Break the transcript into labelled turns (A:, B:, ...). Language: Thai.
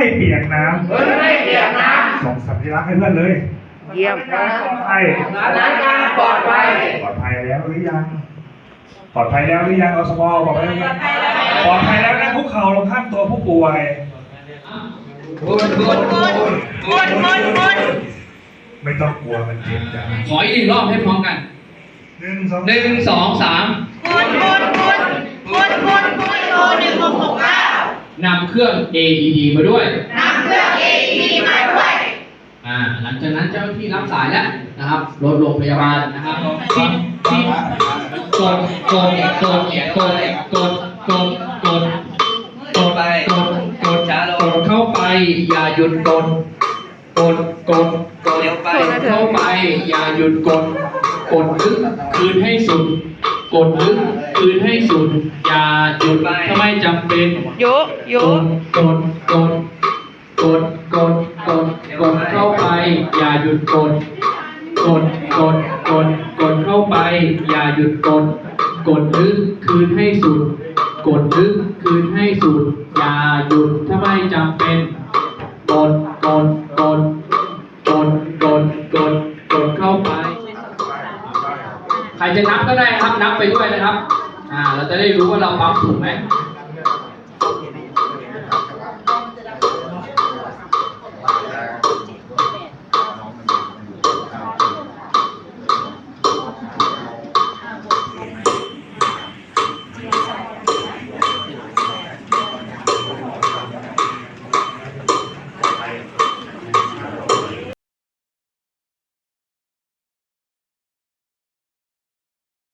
A: เปียกน้ำส่งสัญลักษณ์ให้เพื่อนเลย
B: เยี่ยม
A: ปลอดภัย
C: สถานการณ์ปลอดภัย
A: ปลอดภัยแล้วหรือยังปลอดภัยแล้วหรือยังอสมบอกไปแล้วยังปลอดภัยแล้วนะคุกเข่าลงข้างตัวผู้ป่วยไม่ต้องกลัวมันเจ็บจ้ะ
D: ขออีกหนึ่งรอบให้พร้อมกัน
A: หนึ่งสอง
D: 1 2 3นำเครื่อง AED มาด้วยหลังจากนั้นเจ้าหน้าที่รับสายแล้วนะครับรถโรงพยาบาลนะครับที่กดเข้าไปอย่าหยุดกดเข้าไปอย่าหยุดกดลึกคืนให้สุดกดลึกคืนให้สุดอย่าหยุดถ้าไม่จำเป็น
B: โย
D: กดเข้าไปอย่าหยุดกดเข้าไปอย่าหยุดกดลึกคืนให้สุดกดลึกคืนให้สุดอย่าหยุดถ้าไม่จำเป็นกดเข้าไปใครจะนับก็ได้ครับนับไปด้วยนะครับเราจะได้รู้ว่าเราปั๊มถูกไหม